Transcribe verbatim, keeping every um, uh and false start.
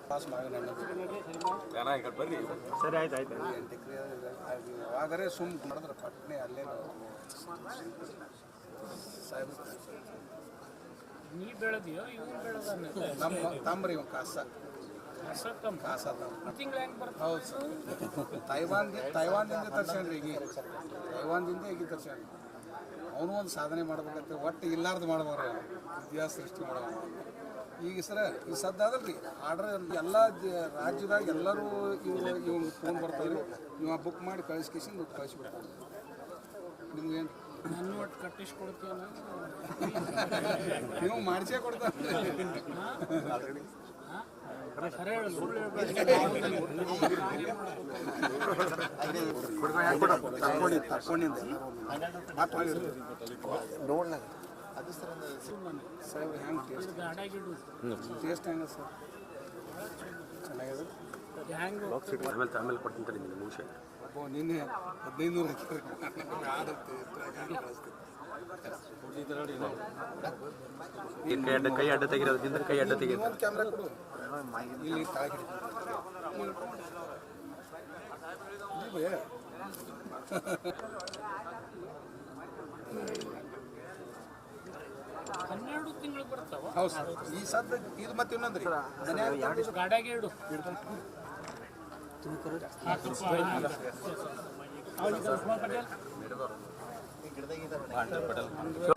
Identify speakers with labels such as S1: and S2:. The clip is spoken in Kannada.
S1: ಪಾಸ್ ಮಾಡಿ
S2: ಬರ್ರಿ ಸರಿ ಆಯ್ತು ಆಯ್ತು
S1: ಎಂಟು ಎಕರೆ ಯಾವಾಗರೇ ಸುಮ್ ಮಾಡಿದ್ರೆ ಪಟ್ನೆ ಅಲ್ಲೇ ಸಾಹೇಬ್
S3: ನೀ ಬೆಳೆದಿಯೋ ಇವ್ನು ಬೆಳೆದಾನೆ
S1: ನಮ್ಮ ತಂಬ್ರಿ ಇವ ಕಾಸ ಕಾಸ
S3: ತಿಂಗಳು ಹೆಂಗೆ ಬರ್ತದೆ
S1: ಹೌದು ಸರ್ ತೈವಾನ್ ತೈವಾನ್ದಿಂದ ತರ್ಸ್ಯಾನ್ರಿ ಈಗ ತೈವಾನ್ದಿಂದ ಈಗ ತರ್ಸ್ಯಾನ ಅವನು ಒಂದು ಸಾಧನೆ ಮಾಡ್ಬೇಕಂತ ಒಟ್ಟು ಇಲ್ಲಾರ್ದು ಮಾಡ್ಬಾರ್ರಿ ಅವನು ಇತಿಹಾಸ ಸೃಷ್ಟಿ ಮಾಡ್ಬೇಕು ಈಗ ಸರ ಈ ಸದ್ದಾದಲ್ಲ ರೀ ಆರ್ಡ್ರ್ ಎಲ್ಲ ರಾಜ್ಯದಾಗ ಎಲ್ಲರೂ ಇವ್ರು ಇವ್ನು ಫೋನ್ ಬರ್ತಾರೆ ಇವ ಬುಕ್ ಮಾಡಿ ಕಳಿಸ್ಕೇಸಿಂದು ಕಳಿಸ್ಬಿಡ್ತಾರೆ ನಿಮ್ಗೇನು
S3: ನನ್ನ ಒಟ್ಟು ಕಟ್ಟಿಸ್ಕೊಡ್ತೀವಲ್ಲ
S1: ನೀವು ಮಾಡಿಸೇ ಕೊಡ್ತಾರೆ
S3: ಖರೆ ಹೇಳು ಸುಳ್ಳು
S1: ತಕ್ಕೊಂಡಿದ್ದೆ ನೋಡ್ಲ ಅದು ಸರ್ ಸಾಹೇಬ್ ಹೆಂಗೆ ಟೇಸ್ಟ್
S3: ಗಾಡಿಯಾಗಿಡು
S1: ಟೇಸ್ಟ್ ಹೆಂಗೆ ಸರ್ ಚೆನ್ನಾಗಿದೆ
S3: ಹೆಂಗೆ
S2: ಆಮೇಲೆ ಆಮೇಲೆ ಕೊಡ್ತೀನಿ ನಿಮಗೆ ಮುಗಿಸಿ
S1: ಅಬ್ಬೋ ನಿನ್ನೆ ಹದಿನೈದು ನೂರು ಹಾಕಿರಿ
S2: ಕೈ ಅಡ್ಡ ಕೈ ಅಡ್ಡ ತೆಗಿರೋದಕ್ಕಿಂತ ಕೈ ಅಡ್ಡ ತೆಗಿಯೋದು
S1: ಒಂದು ಕ್ಯಾಮ್ರಾ ಕೊಡು ಇಲ್ಲಿ ತಾಗಿ
S3: ಹನ್ನೆರಡು ತಿಂಗಳು ಬರ್ತಾವ
S1: ಹೌದು ಸರ್ ಈ ಸದ್ದ ಇದು ಮತ್ತೆ ಇನ್ನೊಂದ್ರಿ
S3: ಗಾಡಿಯಾಗೆ ಇಡು ಹತ್ತು ರೂಪಾಯಿ